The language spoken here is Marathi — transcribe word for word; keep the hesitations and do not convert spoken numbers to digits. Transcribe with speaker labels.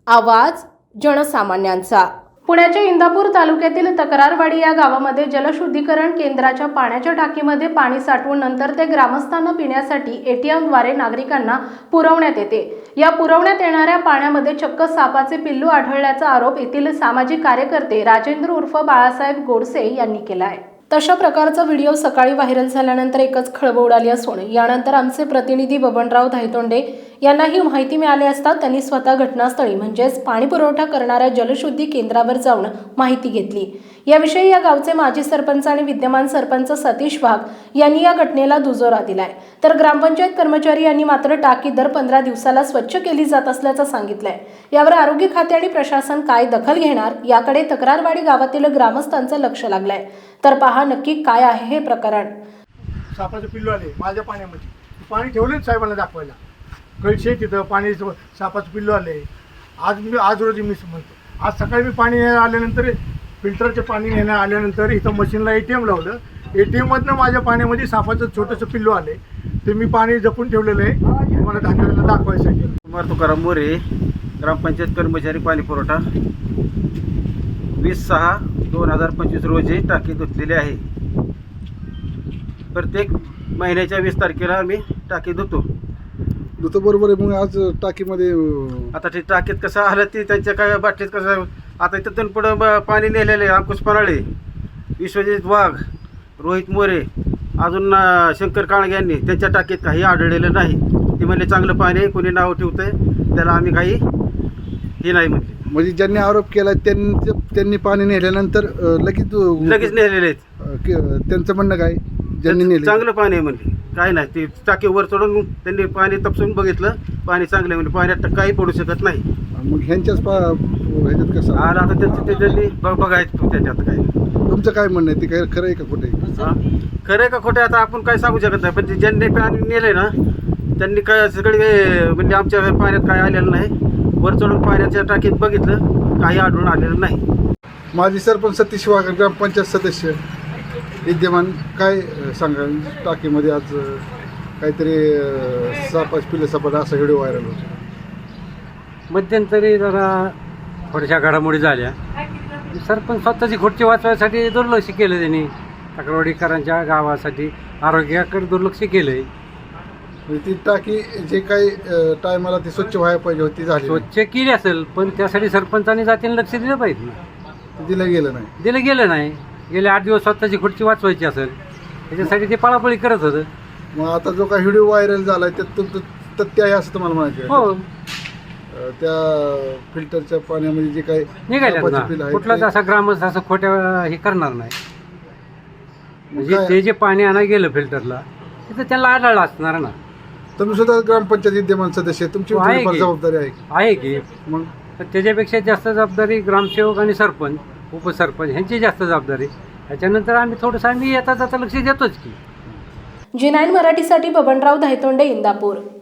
Speaker 1: आवाज जनसामान्यांचा। पुण्याच्या इंदापूर तालुक्यातील तक्रारवाडी या गावामध्ये जलशुद्धीकरण केंद्राच्या पाण्याच्या टाकीमध्ये पाणी साठवून नंतर ते ग्रामस्थांना पिण्यासाठी एटीएमद्वारे नागरिकांना पुरवण्यात येते। या पुरवण्यात येणाऱ्या पाण्यामध्ये चक्क सापाचे पिल्लू आढळल्याचा आरोप येथील सामाजिक कार्यकर्ते राजेंद्र उर्फ बाळासाहेब गोडसे यांनी केला आहे। तशा प्रकारचा व्हिडिओ सकाळी व्हायरल झाल्यानंतर एकच खळबळ उडाली असून यानंतर आमचे प्रतिनिधी बबनराव धायतोंडे यांना ही माहिती मिळाली असता त्यांनी स्वतः घटनास्थळी म्हणजेच पाणी पुरवठा करणाऱ्या जलशुद्धी केंद्रावर जाऊन माहिती घेतली। याविषयी या गावचे माजी सरपंच आणि विद्यमान सरपंच सतीश वाघ यांनी या घटनेला दुजोरा दिलाय, तर ग्रामपंचायत कर्मचारी यांनी मात्र टाकी दर पंधरा दिवसाला स्वच्छ केली जात असल्याचं सांगितलंय। यावर आरोग्य खाते आणि प्रशासन काय दखल घेणार याकडे तक्रारवाडी गावातील ग्रामस्थांचं लक्ष लागलंय। तर पहा नक्की काय आहे हे प्रकरण।
Speaker 2: सापाचे पिल्लू आले माझ्या पाण्यामध्ये, पाणी ठेवलेच साहेबांना दाखवायला, कळशे तिथं पाणी सापाचे पिल्लू आले। आज मी आज रोजी मी म्हणतो, आज सकाळी मी पाणी आल्यानंतर फिल्टरचे पाणी नेण्या आल्यानंतर इथं मशीनला ए टी एम लावलं, ए टी एममधनं माझ्या पाण्यामध्ये सापाचं छोटंसं पिल्लू आले, ते मी पाणी जपून ठेवलेलं आहे मला धान्याला दाखवायसाठी।
Speaker 3: कुमार तुकाराम मोरे, ग्रामपंचायत कर्मचारी पाणी पुरवठा, वीस सहा दोन हजार पंचवीस रोजी टाकी धुतलेली आहे। प्रत्येक महिन्याच्या वीस तारखेला आम्ही टाकी धुतो
Speaker 4: धुतो बरोबर आहे। मग आज टाकीमध्ये
Speaker 3: आता ते टाकीत कसं आलं ती त्यांच्या काय बाटलीत कसं आता तिथून पुढं पाणी नेलेलं आहे। अंकुश पराळे, विश्वजित वाघ, रोहित मोरे, अजून शंकर काळगे यांनी त्यांच्या टाकीत काही आढळलेलं नाही। ते म्हणले चांगलं पाणी आहे, कोणी नाव ठेवतंय त्याला आम्ही काही हे नाही म्हणले।
Speaker 4: म्हणजे ज्यांनी आरोप केला त्यांनी त्यांनी पाणी नेल्यानंतर लगेच
Speaker 3: लगेच नेलेले आहेत।
Speaker 4: त्यांचं म्हणणं काय, ज्यांनी नेले
Speaker 3: चांगलं पाणी आहे म्हणले, काय नाही ते टाकी वर चढून त्यांनी पाणी तपासून बघितलं, पाणी चांगलं आहे म्हणजे पाण्यात काही पडू शकत नाही।
Speaker 4: मग ह्यांच्याच पा ह्याच्यात कसं
Speaker 3: आला आता त्यांचं ते त्यांनी बघायचं त्याच्यात काय।
Speaker 4: तुमचं काय म्हणणं आहे, ते काय खरं आहे का खोटं आहे?
Speaker 3: खरं आहे का खोटं आता आपण काय सांगू शकत नाही, पण ते ज्यांनी पाणी नेलंय ना त्यांनी काय सगळे म्हणजे आमच्या पाण्यात काय आलेलं नाही। वर चढून पाण्याच्या टाकीत बघितलं, काही आढळून आलेलं नाही।
Speaker 4: माजी सरपंच सतीश वाघ, ग्रामपंचायत सदस्य विद्यमान, काय सांगा टाकीमध्ये आज काहीतरी सापाच पिल्ले सापाचा असा व्हिडिओ व्हायरल होतो।
Speaker 5: मध्यंतरी जरा थोड्याशा घडामोडी झाल्या, सरपंच स्वतःची खुर्ची वाचवायसाठी दुर्लक्ष केलं त्यांनी, तक्रारवाडीकरांच्या गावासाठी आरोग्याकडे दुर्लक्ष केलं आहे।
Speaker 4: म्हणजे ती टाकी जे काही टायमाला ती स्वच्छ व्हायला पाहिजे होती झाली
Speaker 5: स्वच्छ केली असेल, पण त्यासाठी सरपंचांनी जातीने लक्ष दिलं पाहिजे ना,
Speaker 4: ते दिलं गेलं नाही
Speaker 5: दिलं गेलं नाही। गेले आठ दिवस स्वतःची खुर्ची वाचवायची असेल त्याच्यासाठी ते पळापळी करत होतं।
Speaker 4: मग आता जो काही व्हिडिओ व्हायरल झाला आहे त्यात तुमचं तथ्य आहे असं तुम्हाला म्हणायचं आहे?
Speaker 5: हो,
Speaker 4: त्या फिल्टरच्या पाण्यामध्ये जे काही
Speaker 5: निघाल्यात
Speaker 4: सापाचे पिल्लं
Speaker 5: ना,
Speaker 4: आहेत
Speaker 5: कुठलाच
Speaker 4: ते-
Speaker 5: असा ग्रामस्थ असं खोट्या हे करणार नाही। म्हणजे
Speaker 4: काय-
Speaker 5: ते जे पाणी आणा गेलं फिल्टरला तिथं त्यांना आढळलं असणार ना।
Speaker 4: तुम्ही सुद्धा ग्रामपंचायत विद्यमान सदस्य आहे, तुमची
Speaker 5: हो, आहे
Speaker 4: थोडीफार
Speaker 5: की.
Speaker 4: जबाबदारी आहे की?
Speaker 5: आहे की,
Speaker 4: मग
Speaker 5: तर त्याच्यापेक्षा जास्त जबाबदारी ग्रामसेवक आणि सरपंच, उपसरपंच ह्यांची जास्त जबाबदारी। त्याच्यानंतर आम्ही थोडंसं आम्ही येता जाता लक्ष देतोच की।
Speaker 1: जी नाईन मराठीसाठी बबनराव धायतोंडे, इंदापूर।